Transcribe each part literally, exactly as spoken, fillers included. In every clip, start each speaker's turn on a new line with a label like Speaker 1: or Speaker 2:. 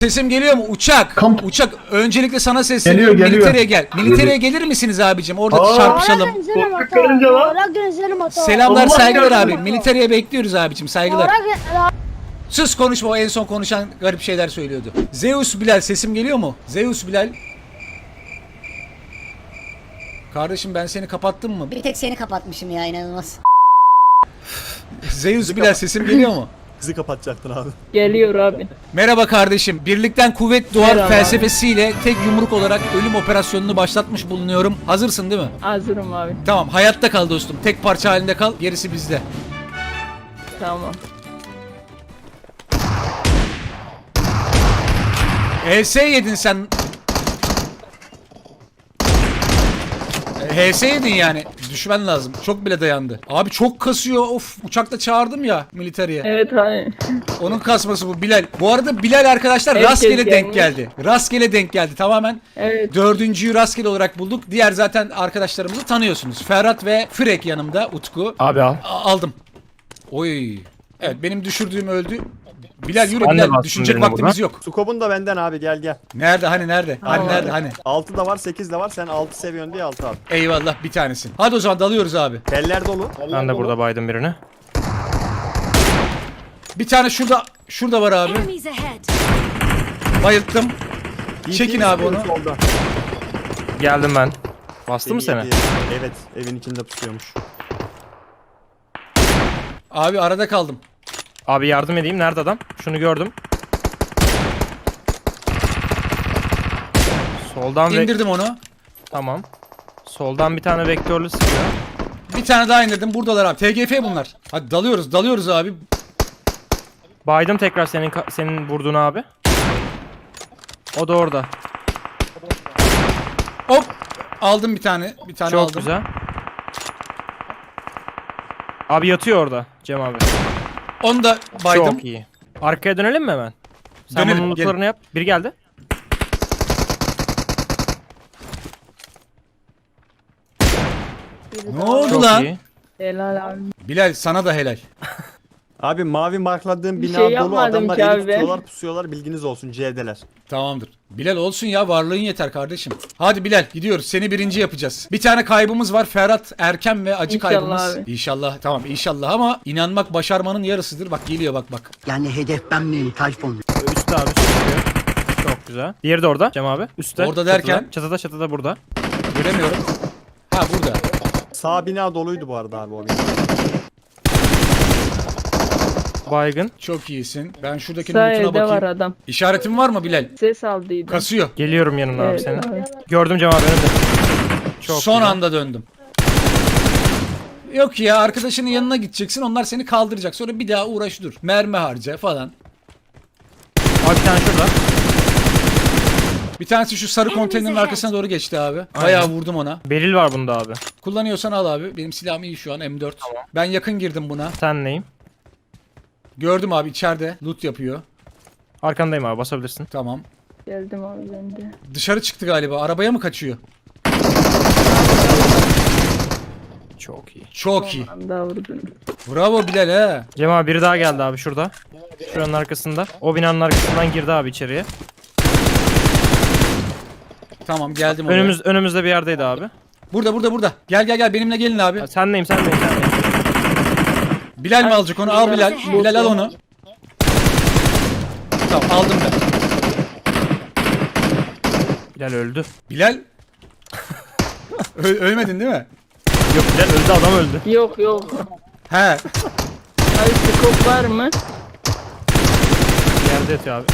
Speaker 1: Sesim geliyor mu? Uçak.
Speaker 2: Kamp.
Speaker 1: Uçak. Öncelikle sana sesleniyorum.
Speaker 2: Geliyor, geliyor.
Speaker 1: Militereye gel. Militereye gelir misiniz abicim? Orada
Speaker 2: Aa.
Speaker 1: çarpışalım.
Speaker 2: Karınca lan.
Speaker 1: Selamlar,
Speaker 2: Allah
Speaker 1: saygılar
Speaker 2: yardım
Speaker 1: abi. Militereye bekliyoruz abicim. Saygılar. Sus, konuşma. O en son konuşan garip şeyler söylüyordu. Zeus Bilal, sesim geliyor mu? Zeus Bilal. Kardeşim ben seni kapattım mı?
Speaker 3: Bir tek seni kapatmışım ya, inanılmaz.
Speaker 1: Zeus Bilal, sesim geliyor mu?
Speaker 4: Bizi kapatacaktın abi.
Speaker 5: Geliyor abi.
Speaker 1: Merhaba kardeşim. Birlikten kuvvet doğar
Speaker 5: Merhaba.
Speaker 1: felsefesiyle tek yumruk olarak ölüm operasyonunu başlatmış bulunuyorum. Hazırsın değil mi?
Speaker 5: Hazırım abi.
Speaker 1: Tamam, hayatta kal dostum. Tek parça halinde kal. Gerisi bizde.
Speaker 5: Tamam.
Speaker 1: H S yedin sen. H S yedin yani. Düşmen lazım. Çok bile dayandı. Abi çok kasıyor. Of, uçakla çağırdım ya militeriye.
Speaker 5: Evet abi.
Speaker 1: Onun kasması bu Bilal. Bu arada Bilal arkadaşlar
Speaker 5: Herkes
Speaker 1: rastgele denk
Speaker 5: gelmiş.
Speaker 1: geldi. Rastgele denk geldi tamamen.
Speaker 5: Evet.
Speaker 1: Dördüncüyü rastgele olarak bulduk. Diğer zaten arkadaşlarımızı tanıyorsunuz. Ferhat ve Frek yanımda. Utku.
Speaker 6: Abi al.
Speaker 1: A- aldım. Oy. Evet, benim düşürdüğüm öldü. Bilal yürü
Speaker 6: Sen de
Speaker 1: Bilal.
Speaker 6: bastın
Speaker 1: Düşünecek
Speaker 6: birine
Speaker 1: vaktimiz
Speaker 6: burada.
Speaker 1: yok.
Speaker 4: Sukobun da benden abi, gel gel.
Speaker 1: Nerede hani nerede? Hani
Speaker 5: Tamam.
Speaker 1: nerede hani?
Speaker 4: altı da var, sekiz de var. Sen altı seviyorsun diye altı abi.
Speaker 1: Eyvallah, bir tanesin. Hadi o zaman dalıyoruz abi.
Speaker 4: Teller dolu.
Speaker 6: Ben de burada baydım birini.
Speaker 1: Bir tane şurada şurada var abi.
Speaker 7: Enemies ahead.
Speaker 1: Bayılttım. Çekin
Speaker 4: İyi,
Speaker 1: abi
Speaker 4: iyi,
Speaker 1: onu.
Speaker 4: solda.
Speaker 6: Geldim ben. Bastı mı
Speaker 4: İyi,
Speaker 6: seni?
Speaker 4: iyi. Evet, evin içinde pusuyormuş.
Speaker 1: Abi arada kaldım.
Speaker 6: Abi yardım edeyim. Nerede adam? Şunu gördüm. Soldan ve...
Speaker 1: İndirdim onu.
Speaker 6: Tamam. Soldan bir tane vektörlü sıkıyor.
Speaker 1: Bir tane daha indirdim. Buradalar abi. T G F bunlar. Hadi dalıyoruz. Dalıyoruz abi.
Speaker 6: Baydım tekrar senin ka- senin vurduğun abi. O da orada.
Speaker 1: Hop. Aldım bir tane. Bir tane
Speaker 6: Çok
Speaker 1: aldım.
Speaker 6: güzel. Abi yatıyor orada Cem abi.
Speaker 1: Onu da baydım.
Speaker 6: Çok iyi. Arkaya dönelim mi hemen? Sen
Speaker 1: Dönelim,
Speaker 6: bunun lootlarını
Speaker 1: gelin.
Speaker 6: yap. Biri geldi.
Speaker 1: Ne oldu
Speaker 6: Çok
Speaker 1: lan?
Speaker 6: iyi.
Speaker 5: Helal abi.
Speaker 1: Bilal sana da helal.
Speaker 4: Abi mavi markladığım
Speaker 5: Bir
Speaker 4: bina
Speaker 5: şey
Speaker 4: dolu,
Speaker 5: yapmadım
Speaker 4: adamlar
Speaker 5: ki
Speaker 4: eli
Speaker 5: abi.
Speaker 4: tutuyorlar, pusuyorlar, bilginiz olsun, C'deler.
Speaker 1: Tamamdır. Bilal olsun ya, varlığın yeter kardeşim. Hadi Bilal gidiyoruz. Seni birinci yapacağız. Bir tane kaybımız var. Ferhat Erken ve acı
Speaker 5: İnşallah
Speaker 1: kaybımız.
Speaker 5: abi.
Speaker 1: İnşallah. Tamam inşallah ama inanmak başarmanın yarısıdır. Bak geliyor bak bak.
Speaker 8: Yani hedef ben miyim Tayfun?
Speaker 6: Üstte abi üstte çıkıyor. Çok güzel. Diğeri de orada Cem abi. Üstte.
Speaker 1: Orada derken?
Speaker 6: Çatıda çatıda, çatıda burada.
Speaker 1: Göremiyorum. Ha burada.
Speaker 4: Sağ bina doluydu bu arada abi o bina.
Speaker 6: Baygın.
Speaker 1: Çok iyisin. Ben şuradaki
Speaker 5: Sağ
Speaker 1: lootuna
Speaker 5: evde var
Speaker 1: bakayım.
Speaker 5: adam.
Speaker 1: İşaretin var mı Bilal?
Speaker 5: Ses aldıydı.
Speaker 1: Kasıyor.
Speaker 6: Geliyorum yanına abi
Speaker 5: Evet,
Speaker 6: senin.
Speaker 5: abi.
Speaker 6: Gördüm Cem abi önümde. Çok
Speaker 1: Son
Speaker 6: güzel.
Speaker 1: anda döndüm. Yok ya, arkadaşının yanına gideceksin. Onlar seni kaldıracak. Sonra bir daha uğraş dur. Mermi harca falan.
Speaker 6: Abi bir tane şurada.
Speaker 1: Bir tanesi şu sarı konteynerin arkasına doğru geçti abi. Bayağı vurdum ona.
Speaker 6: Beril var bunda abi.
Speaker 1: Kullanıyorsan al abi. Benim silahım iyi şu an, M dört. Ben yakın girdim buna.
Speaker 6: Sen neyim?
Speaker 1: Gördüm abi, içeride loot yapıyor.
Speaker 6: Arkandayım abi, basabilirsin.
Speaker 1: Tamam.
Speaker 5: Geldim abi ben de.
Speaker 1: Dışarı çıktı galiba. Arabaya mı kaçıyor?
Speaker 6: Çok iyi.
Speaker 1: Çok iyi.
Speaker 5: Anda vurdum.
Speaker 1: Bravo Bilal he.
Speaker 6: Cem abi biri daha geldi abi şurada. Şuranın arkasında. O binanın arkasından girdi abi içeriye.
Speaker 1: Tamam geldim oraya.
Speaker 6: Önümüz önümüzde bir yerdeydi abi.
Speaker 1: Burada burada burada. Gel gel gel, benimle gelin abi.
Speaker 6: Ha, Sen neyim sen neyim sen neyim?
Speaker 1: Bilal mi alacak onu? Al Bilal. Bilal al onu. Tamam aldım ben.
Speaker 6: Bilal öldü.
Speaker 1: Bilal. Ö- ölmedin değil mi?
Speaker 6: Yok Bilal öldü, adam öldü.
Speaker 5: Yok yok.
Speaker 1: He.
Speaker 5: Abi skop var mı?
Speaker 6: Yerde yatıyor abi.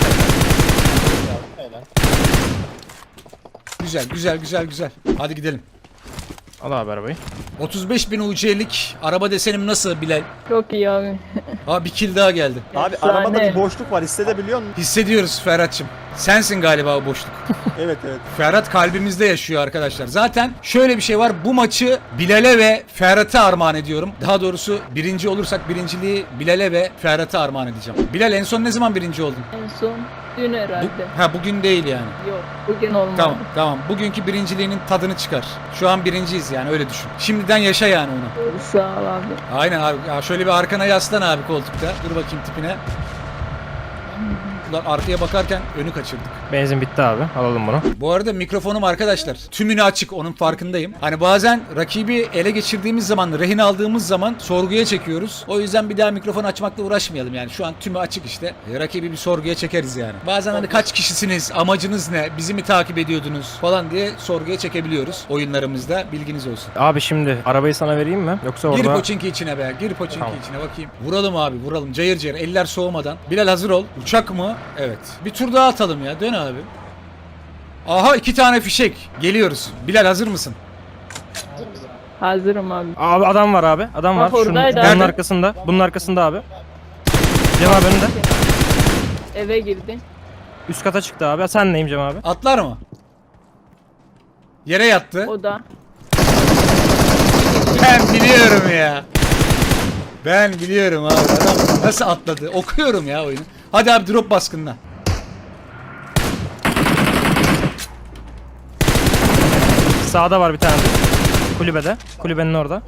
Speaker 1: Güzel güzel güzel güzel. Hadi gidelim.
Speaker 6: Al abi arabayı.
Speaker 1: otuz beş bin U C'lik araba desenim nasıl Bilal?
Speaker 5: Çok iyi abi.
Speaker 1: Aa, bir kill daha geldi.
Speaker 4: Abi
Speaker 5: Efsane.
Speaker 4: arabada bir boşluk var, hissedebiliyor musun?
Speaker 1: Hissediyoruz Ferhat'cığım. Sensin galiba o boşluk.
Speaker 4: Evet evet.
Speaker 1: Ferhat kalbimizde yaşıyor arkadaşlar. Zaten şöyle bir şey var. Bu maçı Bilal'e ve Ferhat'a armağan ediyorum. Daha doğrusu birinci olursak birinciliği Bilal'e ve Ferhat'a armağan edeceğim. Bilal en son ne zaman birinci oldun?
Speaker 5: En son dün
Speaker 1: Bu,
Speaker 5: herhalde.
Speaker 1: ha bugün değil yani.
Speaker 5: Yok bugün olmadı.
Speaker 1: Tamam tamam. Bugünkü birinciliğinin tadını çıkar. Şu an birinciyiz yani, öyle düşün. Şimdiden yaşa yani onu.
Speaker 5: Sağ ol abi.
Speaker 1: Aynen abi. Ya şöyle bir arkana yaslan abi koltukta. Dur bakayım tipine. Ulan arkaya bakarken önü kaçırdık.
Speaker 6: Benzin bitti abi. Alalım bunu.
Speaker 1: Bu arada mikrofonum arkadaşlar tümünü açık, onun farkındayım. Hani bazen rakibi ele geçirdiğimiz zaman, rehin aldığımız zaman sorguya çekiyoruz. O yüzden bir daha mikrofon açmakla uğraşmayalım yani. Şu an tümü açık işte. E, rakibi bir sorguya çekeriz yani. Bazen hani kaç kişisiniz, amacınız ne, bizi mi takip ediyordunuz falan diye sorguya çekebiliyoruz oyunlarımızda. Bilginiz olsun.
Speaker 6: Abi şimdi arabayı sana vereyim mi? Yoksa orada...
Speaker 1: Gir poçinki içine be. Gir poçinki
Speaker 6: Tamam.
Speaker 1: içine bakayım. Vuralım abi, vuralım. Cayır cayır. Eller soğumadan. Bilal hazır ol. Uçak mı? Evet. Bir tur daha atalım ya. Dön abi. Aha iki tane fişek. Geliyoruz. Bilal hazır mısın?
Speaker 5: Hazırım abi.
Speaker 6: Abi adam var abi. Adam var.
Speaker 5: Bak
Speaker 6: Şunun,
Speaker 5: oradaydı
Speaker 6: bunun
Speaker 5: abi.
Speaker 6: arkasında. Bunun arkasında abi. Cem abi önünde.
Speaker 5: Eve girdi.
Speaker 6: Üst kata çıktı abi. Sen neyim Cem abi?
Speaker 1: Atlar mı? Yere yattı.
Speaker 5: O da.
Speaker 1: Ben biliyorum ya. Ben biliyorum abi. Adam nasıl atladı? Okuyorum ya oyunu. Hadi abi drop baskınına.
Speaker 6: Sağda var bir tane. Kulübede. Kulübenin orada.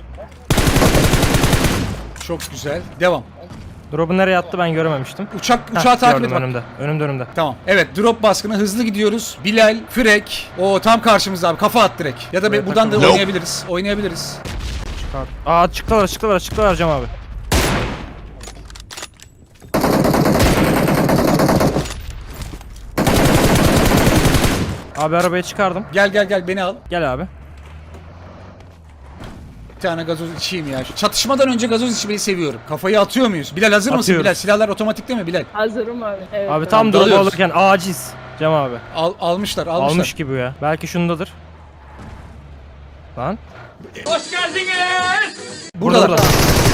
Speaker 1: Çok güzel. Devam.
Speaker 6: Drop'u nereye attı ben görememiştim.
Speaker 1: Uçak
Speaker 6: Heh,
Speaker 1: uçağı takip et
Speaker 6: gördüm
Speaker 1: bak.
Speaker 6: önümde. Önümde önümde.
Speaker 1: Tamam. Evet drop baskını hızlı gidiyoruz. Bilal, Frek. O tam karşımızda abi. Kafa at direkt. Ya da
Speaker 6: Buraya
Speaker 1: be- buradan da
Speaker 6: takılma.
Speaker 1: oynayabiliriz. Oynayabiliriz.
Speaker 6: Çıkar. Aa çıktılar çıktılar çıktılar Cem abi. Abi arabayı çıkardım.
Speaker 1: Gel gel gel beni al.
Speaker 6: Gel abi.
Speaker 1: Bir tane gazoz içeyim ya. Şu çatışmadan önce gazoz içmeyi seviyorum. Kafayı atıyor muyuz? Bilal hazır mısın
Speaker 6: Atıyoruz.
Speaker 1: Bilal? Silahlar otomatikte mi Bilal?
Speaker 5: Hazırım abi. Evet.
Speaker 6: Abi
Speaker 5: abi.
Speaker 6: tam drop'u
Speaker 1: dalıyoruz.
Speaker 6: alırken aciz. Cem abi.
Speaker 1: Al, almışlar almışlar.
Speaker 6: Almış gibi ya. Belki şundadır. Lan.
Speaker 1: Buradalar.
Speaker 6: Burada.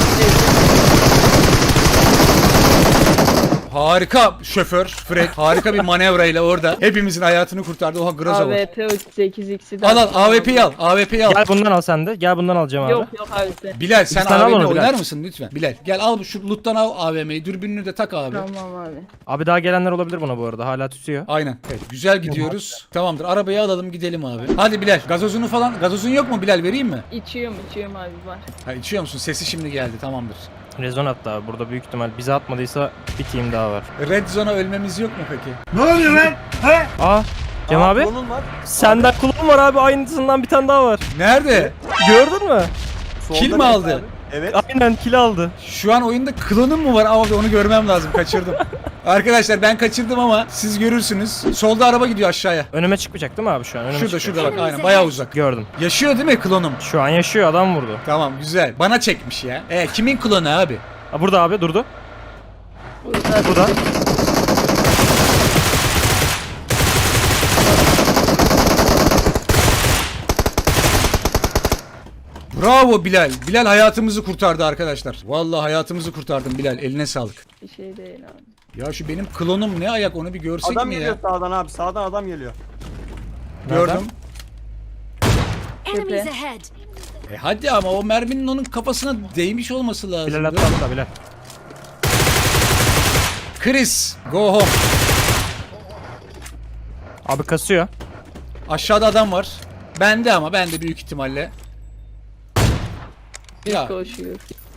Speaker 1: Harika şoför Frek. Harika bir manevrayla orada hepimizin hayatını kurtardı. Oha Groza var.
Speaker 5: A W P sekiz x'i de.
Speaker 1: Al al A W P'yi al. A W P'yi al.
Speaker 6: Gel bundan al sen de. Gel bundan al Cem abi.
Speaker 5: Yok yok abi sen.
Speaker 1: Bilal sen
Speaker 6: Bir tane al
Speaker 1: A W P
Speaker 6: onu Bilal.
Speaker 1: oynar mısın lütfen? Bilal gel al şu loot'tan al A V M'yi. Dürbününü de tak abi.
Speaker 5: Tamam abi.
Speaker 6: Abi daha gelenler olabilir buna bu arada. Hala tutuyor.
Speaker 1: Aynen. Evet güzel gidiyoruz. Tamamdır. Arabayı alalım gidelim abi. Hadi Bilal gazozunu falan. Gazozun yok mu Bilal vereyim mi?
Speaker 5: İçiyorum içiyorum abi var.
Speaker 1: Ha içiyor musun? Sesi şimdi geldi. Tamamdır.
Speaker 6: Rezon attı abi. Burada büyük ihtimal bize atmadıysa bir team daha var.
Speaker 1: Red Zone'a ölmemiz yok mu peki?
Speaker 6: Aa Cem
Speaker 4: Aa,
Speaker 6: abi.
Speaker 4: klonun var.
Speaker 6: Senden kulağın var abi. Aynısından bir tane daha var.
Speaker 1: Nerede?
Speaker 6: Gördün mü?
Speaker 1: Kill
Speaker 4: Solda
Speaker 1: mi
Speaker 4: net
Speaker 1: aldı?
Speaker 4: abi. Evet.
Speaker 6: Aynen kill aldı.
Speaker 1: Şu an oyunda klonum mu var? Abi onu görmem lazım. Kaçırdım. Arkadaşlar ben kaçırdım ama siz görürsünüz. Solda araba gidiyor aşağıya.
Speaker 6: Önüme çıkmayacak değil mi abi şu an? Önüme
Speaker 1: Şurada
Speaker 6: çıkıyor.
Speaker 1: şurada bak aynen bayağı uzak.
Speaker 6: Gördüm.
Speaker 1: Yaşıyor değil mi klonum?
Speaker 6: Şu an yaşıyor adam vurdu.
Speaker 1: Tamam güzel. Bana çekmiş ya. E kimin klonu abi?
Speaker 6: Aa, burada abi durdu.
Speaker 5: Burada.
Speaker 6: Burada.
Speaker 1: Bravo Bilal. Bilal hayatımızı kurtardı arkadaşlar. Vallahi hayatımızı kurtardın Bilal. Eline sağlık.
Speaker 5: Bir şey değil abi.
Speaker 1: Ya şu benim klonum ne ayak onu bir görsek
Speaker 4: Adam
Speaker 1: mi
Speaker 4: geliyor
Speaker 1: ya?
Speaker 4: sağdan abi. Sağdan adam geliyor.
Speaker 1: Gördüm.
Speaker 7: Enemies ahead.
Speaker 1: E hadi ama o merminin onun kafasına değmiş olması lazım.
Speaker 6: Bilal atla atla Bilal.
Speaker 1: Chris, go home.
Speaker 6: Abi kasıyor.
Speaker 1: Aşağıda adam var. Bende ama bende büyük ihtimalle. Ya
Speaker 5: Koşuyor.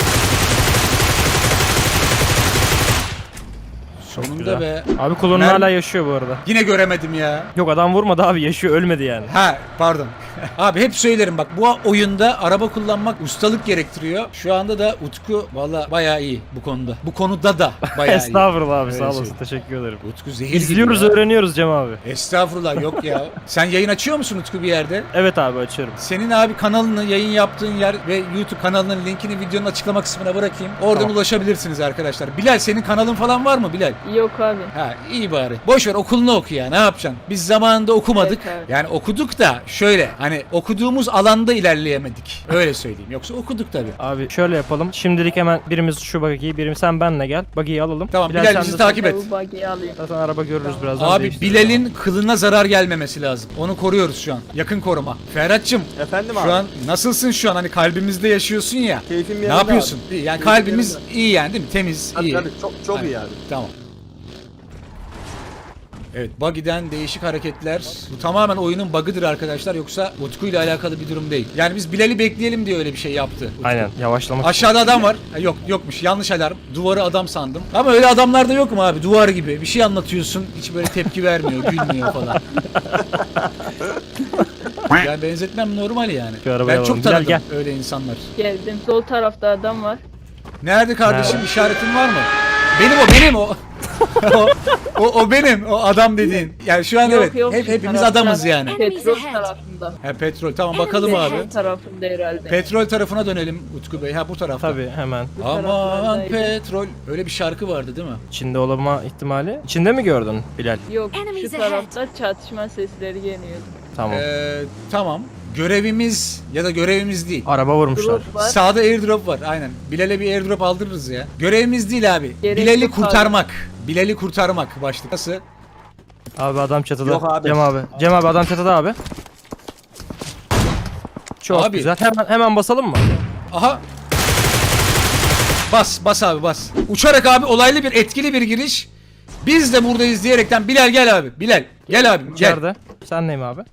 Speaker 1: sonunda
Speaker 6: Güzel.
Speaker 1: be.
Speaker 6: Abi kullanın
Speaker 1: Mermi-
Speaker 6: hala yaşıyor bu arada.
Speaker 1: Yine göremedim ya.
Speaker 6: Yok adam vurmadı abi yaşıyor ölmedi yani.
Speaker 1: Ha pardon. Abi hep söylerim bak bu oyunda araba kullanmak ustalık gerektiriyor. Şu anda da Utku valla bayağı iyi bu konuda. Bu konuda da bayağı iyi.
Speaker 6: Estağfurullah abi
Speaker 1: Öyle
Speaker 6: sağ olasın
Speaker 1: söyleyeyim.
Speaker 6: teşekkür ederim.
Speaker 1: Utku zehir gibi
Speaker 6: İzliyoruz
Speaker 1: ya.
Speaker 6: öğreniyoruz Cem abi.
Speaker 1: Estağfurullah yok ya. Sen yayın açıyor musun Utku bir yerde?
Speaker 6: Evet abi açıyorum.
Speaker 1: Senin abi kanalını, yayın yaptığın yer ve YouTube kanalının linkini videonun açıklama kısmına bırakayım. Oradan
Speaker 6: Tamam.
Speaker 1: ulaşabilirsiniz arkadaşlar. Bilal senin kanalın falan var mı Bilal?
Speaker 5: Yok abi.
Speaker 1: Ha iyi bari. Boş ver okulunu oku ya ne yapacaksın? Biz zamanında okumadık.
Speaker 5: Evet, evet.
Speaker 1: Yani okuduk da şöyle hani okuduğumuz alanda ilerleyemedik. Öyle söyleyeyim. Yoksa okuduk tabii.
Speaker 6: Abi şöyle yapalım. Şimdilik hemen birimiz şu bagiyi, birimiz sen benle gel. Bagiyi alalım.
Speaker 1: Tamam, Bilal
Speaker 6: sen
Speaker 1: bizi
Speaker 6: de-
Speaker 1: takip et.
Speaker 5: Bu buggy'i alayım.
Speaker 6: Zaten araba görürüz birazdan.
Speaker 1: Abi
Speaker 6: değiştiririz.
Speaker 1: Bilal'in kılına zarar gelmemesi lazım. Onu koruyoruz şu an. Yakın koruma. Ferhat'cığım
Speaker 4: Efendim abi.
Speaker 1: şu an nasılsın şu an? Hani kalbimizde yaşıyorsun ya.
Speaker 4: Keyfim
Speaker 1: Ne
Speaker 4: yerinde
Speaker 1: yapıyorsun?
Speaker 4: abi.
Speaker 1: İyi, yani
Speaker 4: Keyfim
Speaker 1: kalbimiz
Speaker 4: yerinde.
Speaker 1: iyi yani değil mi? Temiz,
Speaker 4: Tabii
Speaker 1: iyi.
Speaker 4: tabii çok çok
Speaker 1: Aynen.
Speaker 4: iyi abi.
Speaker 1: Tamam. Evet, buggy'den değişik hareketler. Bu tamamen oyunun bug'ıdır arkadaşlar, yoksa Utku ile alakalı bir durum değil. Yani biz Bilal'i bekleyelim diye öyle bir şey yaptı Utku.
Speaker 6: Aynen yavaşlamak.
Speaker 1: Aşağıda adam var. Ha, yok yokmuş, yanlış alarm. Duvarı adam sandım. Ama öyle adamlar da yok mu abi? Duvar gibi. Bir şey anlatıyorsun, hiç böyle tepki vermiyor, gülmüyor falan. Yani benzetmem normal yani.
Speaker 6: Şu arabaya
Speaker 1: Ben çok
Speaker 6: alalım. Gel,
Speaker 1: tanıdım
Speaker 6: gel.
Speaker 1: öyle insanlar.
Speaker 5: Geldim. Sol tarafta adam var.
Speaker 1: Nerede kardeşim?
Speaker 6: Nerede?
Speaker 1: İşaretin var mı? Benim o, benim o. o, o, o benim, o adam dediğin. Yani şu an
Speaker 5: Yok,
Speaker 1: evet,
Speaker 5: yok,
Speaker 1: hep
Speaker 5: şu
Speaker 1: hepimiz
Speaker 5: tarafta.
Speaker 1: adamız yani.
Speaker 5: Petrol tarafında.
Speaker 1: Ha, petrol, tamam bakalım abi.
Speaker 5: Sol tarafında herhalde.
Speaker 1: Petrol tarafına dönelim Utku Bey. Ha, bu tarafta.
Speaker 6: Tabii hemen.
Speaker 1: Aman
Speaker 5: taraflardaydı.
Speaker 1: petrol. Öyle bir şarkı vardı değil mi?
Speaker 6: İçinde olma ihtimali. İçinde mi gördün Bilal?
Speaker 5: Yok, şu
Speaker 7: Enemies
Speaker 5: tarafta çatışma sesleri geliyordu.
Speaker 6: Tamam.
Speaker 1: Ee, tamam. Görevimiz ya da görevimiz değil.
Speaker 6: Araba vurmuşlar.
Speaker 5: Drop var.
Speaker 1: Sağda airdrop var aynen. Bilal'e bir airdrop aldırırız ya. Görevimiz değil abi.
Speaker 5: Gerek
Speaker 1: Bilal'i
Speaker 5: yok abi.
Speaker 1: kurtarmak. Bilal'i kurtarmak başlık. Nasıl?
Speaker 6: Abi adam çatıda.
Speaker 4: Yok abi.
Speaker 6: Cem abi. Cem abi adam çatıda abi. Çok
Speaker 1: Abi.
Speaker 6: güzel. Hemen hemen basalım mı?
Speaker 1: Aha. Bas, bas abi bas. Uçarak abi, olaylı bir, etkili bir giriş. Biz de buradayız diyerekten Bilal gel abi. Bilal gel abi gel.
Speaker 6: İçeride. Sen neyim abi?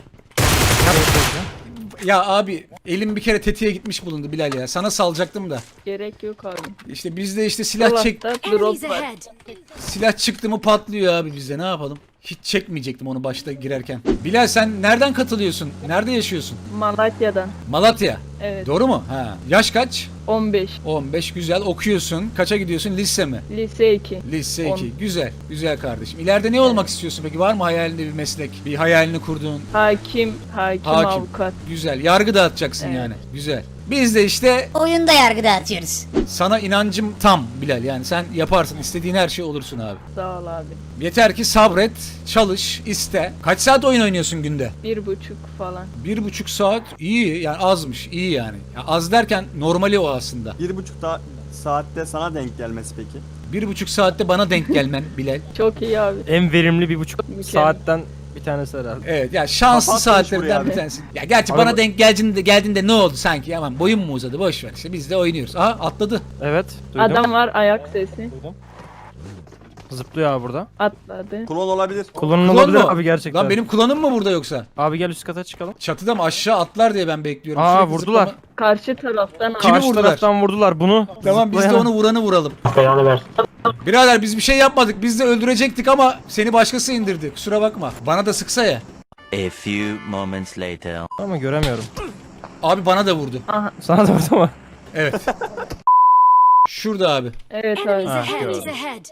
Speaker 1: Ya abi elim bir kere tetiğe gitmiş bulundu Bilal ya. Sana salacaktım da.
Speaker 5: Gerek yok abi.
Speaker 1: İşte bizde işte silah çek
Speaker 5: Dolapta
Speaker 7: Enemies
Speaker 5: drop var.
Speaker 7: ahead.
Speaker 1: silah çıktı mı patlıyor abi bizde. Ne yapalım? Hiç çekmeyecektim onu başta girerken. Bilal sen nereden katılıyorsun? Nerede yaşıyorsun?
Speaker 5: Malatya'dan.
Speaker 1: Malatya.
Speaker 5: Evet.
Speaker 1: Doğru mu? Ha. Yaş kaç?
Speaker 5: on beş.
Speaker 1: on beş, güzel. Okuyorsun. Kaça gidiyorsun? Lise mi?
Speaker 5: Lise iki.
Speaker 1: Lise
Speaker 5: On.
Speaker 1: iki. Güzel. Güzel kardeşim. İleride ne olmak istiyorsun peki? Var mı hayalinde bir meslek? Bir hayalini kurduğun?
Speaker 5: Hakim, hakim,
Speaker 1: Hakim.
Speaker 5: avukat.
Speaker 1: Güzel. Yargı dağıtacaksın
Speaker 5: Evet.
Speaker 1: yani. Güzel. Biz de işte
Speaker 3: Oyunda yargı dağıtıyoruz.
Speaker 1: sana inancım tam Bilal. Yani sen yaparsın. İstediğin her şey olursun abi.
Speaker 5: Sağ ol abi.
Speaker 1: Yeter ki sabret, çalış, iste. Kaç saat oyun oynuyorsun günde?
Speaker 5: Bir buçuk falan.
Speaker 1: Bir buçuk saat. İyi yani, azmış. İyi yani. Ya az derken normali o aslında.
Speaker 4: Bir buçuk da saatte sana denk gelmesi peki.
Speaker 1: Bir buçuk saatte bana denk gelmen Bilal.
Speaker 5: Çok iyi abi.
Speaker 6: En verimli bir buçuk
Speaker 5: Mükemmel.
Speaker 6: saatten bir tanesi herhalde.
Speaker 1: Evet ya, şanslı
Speaker 4: Kapatmış
Speaker 1: saatlerden
Speaker 4: buraya
Speaker 1: bir
Speaker 4: abi.
Speaker 1: tanesi. Ya gerçi
Speaker 6: Abi
Speaker 1: bana
Speaker 6: bu-
Speaker 1: denk geldiğinde, geldiğinde ne oldu sanki? Aman boyum mu uzadı? Boş ver işte, biz de oynuyoruz. Aha atladı.
Speaker 6: Evet. Duydum.
Speaker 5: Adam var, ayak sesi.
Speaker 6: Zıplıyor abi burada.
Speaker 5: Atladı.
Speaker 4: Klon olabilir.
Speaker 6: Kullanın
Speaker 1: Klon
Speaker 6: olabilir
Speaker 1: mu?
Speaker 6: abi gerçekten.
Speaker 1: Lan benim klonum mu burada yoksa?
Speaker 6: Abi gel üst kata çıkalım.
Speaker 1: Çatıda mı, aşağı atlar diye ben bekliyorum.
Speaker 6: Aa,
Speaker 1: Sürekli
Speaker 6: vurdular.
Speaker 1: zıplama-
Speaker 5: Karşı taraftan
Speaker 1: Kimi
Speaker 6: Karşı
Speaker 1: vurdular?
Speaker 6: taraftan vurdular bunu.
Speaker 1: Tamam biz de
Speaker 6: Zıplayan-
Speaker 1: onu vuranı vuralım. Birader biz bir şey yapmadık. Biz de öldürecektik ama seni başkası indirdi. Kusura bakma. Bana da sıksa ya.
Speaker 2: A few moments later.
Speaker 6: Ama göremiyorum.
Speaker 1: Abi bana da vurdu.
Speaker 6: Sana da vurdu mu?
Speaker 1: Evet. Şurada abi.
Speaker 5: Evet abi.
Speaker 7: Enemies
Speaker 6: Ha,
Speaker 7: ahead.
Speaker 6: gördüm.
Speaker 7: Enemies ahead.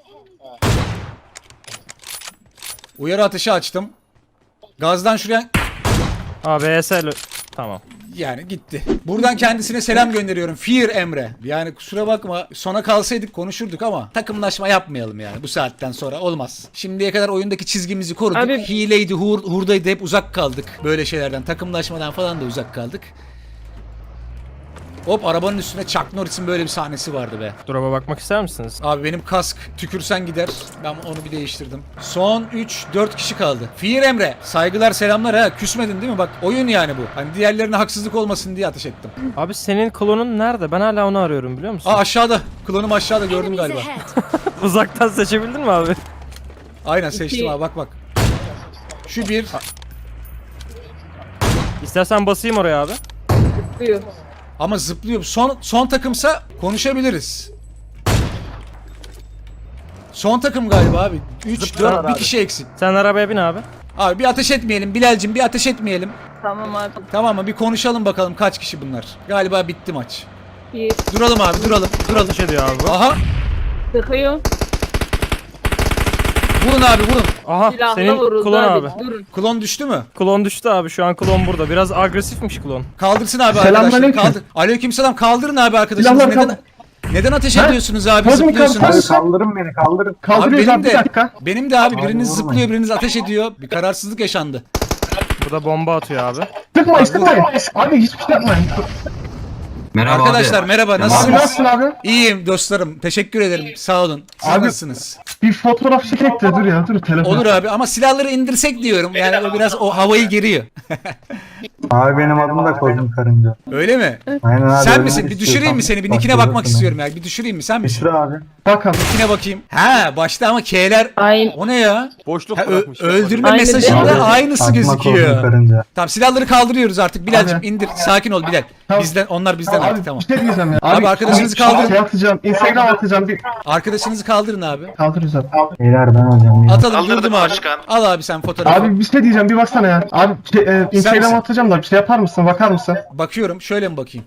Speaker 1: Uyarı ateşi açtım. Gazdan şuraya...
Speaker 6: Abi E S L. Tamam.
Speaker 1: Yani gitti. Buradan kendisine selam gönderiyorum. Fear Emre. Yani kusura bakma, sona kalsaydık konuşurduk ama takımlaşma yapmayalım yani bu saatten sonra olmaz. Şimdiye kadar oyundaki çizgimizi koruduk.
Speaker 5: Abi-
Speaker 1: Hileydi, hur, hurdaydı, hep uzak kaldık. Böyle şeylerden, takımlaşmadan falan da uzak kaldık. Hop, arabanın üstüne Chuck Norris'in böyle bir sahnesi vardı be.
Speaker 6: Drop'a bakmak ister misiniz?
Speaker 1: Abi benim kask tükürsen gider. Ben onu bir değiştirdim. Son üç dört kişi kaldı. Fear Emre. Saygılar selamlar ha. Küsmedin değil mi? Bak oyun yani bu. Hani diğerlerine haksızlık olmasın diye ateş ettim.
Speaker 6: Abi senin klonun nerede? Ben hala onu arıyorum biliyor musun?
Speaker 1: Aa, aşağıda. Klonum aşağıda, gördüm
Speaker 7: Enemies
Speaker 1: galiba.
Speaker 7: ahead.
Speaker 6: Uzaktan seçebildin mi abi?
Speaker 1: Aynen seçtim
Speaker 5: İki.
Speaker 1: abi, bak bak. Şu bir.
Speaker 6: İstersen basayım oraya abi.
Speaker 5: Buyur.
Speaker 1: Ama zıplıyor. Son son takımsa konuşabiliriz. Son takım galiba abi. üç
Speaker 4: Zıplar
Speaker 1: dört bir
Speaker 4: abi.
Speaker 1: kişi eksik.
Speaker 6: Sen arabaya bin abi.
Speaker 1: Abi bir ateş etmeyelim Bilal'cim, bir ateş etmeyelim.
Speaker 5: Tamam abi.
Speaker 1: Tamam mı? Bir konuşalım bakalım kaç kişi bunlar. Galiba bitti maç.
Speaker 5: Bir
Speaker 1: Duralım abi, duralım. Duralım.
Speaker 6: Ateş ediyor abi bu.
Speaker 1: Aha.
Speaker 5: sıkıyor.
Speaker 1: Vurun abi, vurun.
Speaker 6: Aha
Speaker 5: Silahla
Speaker 6: senin
Speaker 5: vuruldu
Speaker 6: klon
Speaker 5: abi.
Speaker 6: abi.
Speaker 5: Durun.
Speaker 1: Klon düştü mü?
Speaker 6: Klon düştü abi, şu an klon burada. Biraz agresifmiş klon.
Speaker 1: Kaldırsın abi arkadaşlar. Kaldır. Aleykümselam, kaldırın abi arkadaşlar.
Speaker 9: Silahlar
Speaker 1: Neden
Speaker 9: kaldır.
Speaker 1: neden ateş ediyorsunuz abi?
Speaker 9: Hadi mi kaldır?
Speaker 1: Zıplıyorsunuz.
Speaker 9: Kaldırın beni kaldırın.
Speaker 1: Abi
Speaker 9: Kaldırıyoruz
Speaker 1: benim
Speaker 9: abi, bir
Speaker 1: de
Speaker 9: dakika.
Speaker 1: benim de abi,
Speaker 9: Abi
Speaker 1: biriniz
Speaker 9: vurmayın.
Speaker 1: zıplıyor, biriniz ateş ediyor. Bir kararsızlık yaşandı.
Speaker 6: Burada bomba atıyor abi.
Speaker 9: Sıkmayın sıkmayın. Abi hiçbir şey yapmayın.
Speaker 10: Merhaba
Speaker 1: Arkadaşlar
Speaker 10: abi.
Speaker 1: merhaba,
Speaker 9: Abi
Speaker 1: nasılsınız?
Speaker 9: nasılsın abi?
Speaker 1: İyiyim dostlarım. Teşekkür ederim. Sağ olun. Siz
Speaker 9: Abi-
Speaker 1: nasılsınız?
Speaker 9: Bir fotoğraf çekek de dur ya dur telefon.
Speaker 1: Olur abi ama silahları indirsek diyorum. Yani o biraz o havayı geriyor.
Speaker 9: Abi benim adım da Kozum Karınca.
Speaker 1: Öyle mi?
Speaker 9: Aynen abi.
Speaker 1: Sen
Speaker 9: öyle
Speaker 1: misin? Bir
Speaker 9: istiyorsan
Speaker 1: düşüreyim mi seni? Bir nickine bakmak
Speaker 9: başlayabilirsin
Speaker 1: istiyorum ya. Bir düşüreyim mi? Sen
Speaker 9: abi.
Speaker 1: misin?
Speaker 9: Düşür abi. Bakalım.
Speaker 1: Nickine bakayım. Ha başta ama K'ler.
Speaker 5: Aynen.
Speaker 1: O ne ya?
Speaker 4: Boşluk
Speaker 1: Ha, ö-
Speaker 4: bırakmış. ya.
Speaker 1: öldürme
Speaker 5: Aynı
Speaker 1: mesajında
Speaker 5: değil mi?
Speaker 1: aynısı
Speaker 9: Fatma Kozum
Speaker 1: gözüküyor.
Speaker 9: Karınca.
Speaker 1: Tamam silahları kaldırıyoruz artık. Bilal'cim
Speaker 9: Abi.
Speaker 1: indir. Sakin ol Bilal.
Speaker 9: Tamam.
Speaker 1: Bizden onlar bizden
Speaker 9: Abi
Speaker 1: artık tamam.
Speaker 9: bir şey diyeceğim ya.
Speaker 1: Abi arkadaşınızı
Speaker 9: abi,
Speaker 1: kaldırın.
Speaker 9: Şey atacağım. Instagram atacağım. Bir
Speaker 1: Arkadaşınızı kaldırın abi.
Speaker 9: kaldırırız abi. Beyler ben alacağım. ya.
Speaker 1: Atalım durdum abi. Al abi sen fotoğrafı.
Speaker 9: Abi bir şey diyeceğim. Bir baksana ya. Abi şey, e, Instagram
Speaker 1: misin?
Speaker 9: atacağım da bir şey yapar mısın? Bakar mısın?
Speaker 1: Bakıyorum. Şöyle mi bakayım?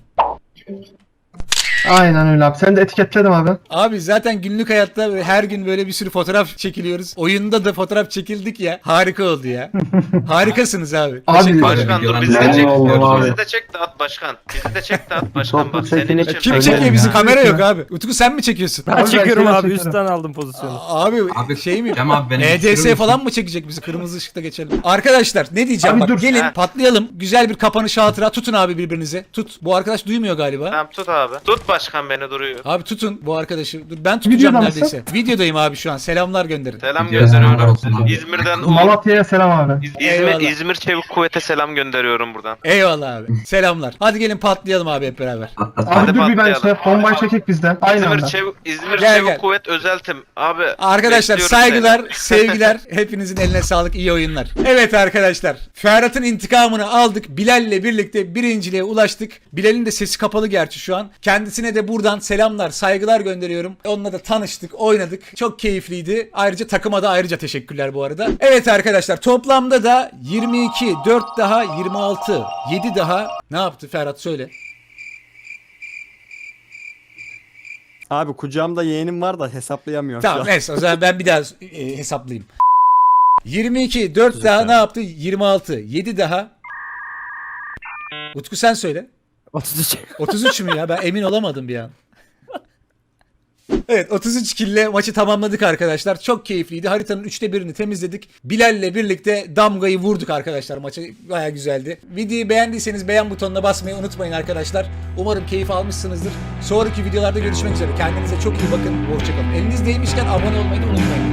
Speaker 9: Aynen öyle abi. Sen de etiketledim abi.
Speaker 1: Abi zaten günlük hayatta böyle her gün böyle bir sürü fotoğraf çekiliyoruz. Oyunda da fotoğraf çekildik ya. Harika oldu ya. Harikasınız abi.
Speaker 9: Abi
Speaker 1: Teşekkür ederim.
Speaker 10: Başkan dur bizi de
Speaker 9: Ben
Speaker 10: çek.
Speaker 9: oldum abi.
Speaker 10: Bizi de çek de at başkan. Bizi de çek de at başkan.
Speaker 9: Toplu
Speaker 10: Bak senin
Speaker 9: çekilip-
Speaker 10: için.
Speaker 1: Kim
Speaker 9: Öyle
Speaker 1: çekiyor
Speaker 9: mi
Speaker 1: bizi?
Speaker 9: ya?
Speaker 1: Kamera yok abi. Utku sen mi çekiyorsun?
Speaker 6: Ben
Speaker 9: Abi ben
Speaker 6: çekiyorum
Speaker 9: şeyden
Speaker 6: abi
Speaker 9: çekerim.
Speaker 6: üstten aldım pozisyonu.
Speaker 1: Abi,
Speaker 10: Abi,
Speaker 1: şey mi?
Speaker 10: Cem abi beni
Speaker 1: E D
Speaker 10: düşürür
Speaker 1: S
Speaker 10: müsün?
Speaker 1: falan mı çekecek bizi? Kırmızı ışıkta geçelim. Arkadaşlar ne diyeceğim?
Speaker 9: Abi
Speaker 1: Bak
Speaker 9: dur.
Speaker 1: gelin
Speaker 10: Ha.
Speaker 1: patlayalım. Güzel bir kapanış hatıra. Tutun abi birbirinizi. Tut. Bu arkadaş duymuyor galiba.
Speaker 10: Tamam tut abi. Tut başkan beni duruyor.
Speaker 1: Abi tutun bu arkadaşı. Dur ben tutacağım
Speaker 9: Videoda
Speaker 1: neredeyse. Videodayım abi şu an. Selamlar gönderin.
Speaker 10: Selam
Speaker 9: Selamlar
Speaker 10: gönderiyorum.
Speaker 9: olsun abi.
Speaker 10: İzmir'den Ulu-
Speaker 9: Malatya'ya selam abi.
Speaker 10: İz-
Speaker 1: Eyvallah.
Speaker 10: İzmir, İzmir Çevik Kuvvet'e selam gönderiyorum buradan.
Speaker 1: Eyvallah abi. Selamlar. Hadi gelin patlayalım abi hep beraber.
Speaker 9: Abi dur bir ben
Speaker 10: patlayalım.
Speaker 9: şey bombayı çekek bizden. Aynı
Speaker 10: İzmir
Speaker 9: anda.
Speaker 10: Çevik, İzmir
Speaker 1: Gel,
Speaker 10: Çevik
Speaker 1: gel.
Speaker 10: Kuvvet özeltim. Abi
Speaker 1: Arkadaşlar
Speaker 10: bekliyorum
Speaker 1: saygılar,
Speaker 10: seni.
Speaker 1: sevgiler. Hepinizin eline sağlık, iyi oyunlar. Evet arkadaşlar. Ferhat'ın intikamını aldık. Bilal'le birlikte birinciliğe ulaştık. Bilal'in de sesi kapalı gerçi şu an. Kendisine de buradan selamlar, saygılar gönderiyorum. Onunla da tanıştık, oynadık. Çok keyifliydi. Ayrıca takıma da ayrıca teşekkürler bu arada. Evet arkadaşlar toplamda da yirmi iki, dört daha yirmi altı, yedi daha. Ne yaptı Ferhat söyle.
Speaker 4: Abi kucağımda yeğenim var da hesaplayamıyorum
Speaker 1: Tamam
Speaker 4: şu an.
Speaker 1: neyse o zaman ben bir daha e, hesaplayayım. yirmi iki, dört daha ne yaptı? yirmi altı, yedi daha. Utku sen söyle.
Speaker 6: otuz üç.
Speaker 1: otuz üç mü ya? Ben emin olamadım bir an. Evet otuz üç kille maçı tamamladık arkadaşlar. Çok keyifliydi. Haritanın üçte birini temizledik. Bilal'le birlikte damgayı vurduk arkadaşlar. Maçı baya güzeldi. Videoyu beğendiyseniz beğen butonuna basmayı unutmayın arkadaşlar. Umarım keyif almışsınızdır. Sonraki videolarda görüşmek üzere. Kendinize çok iyi bakın. Hoşçakalın. Eliniz değmişken abone olmayı da unutmayın.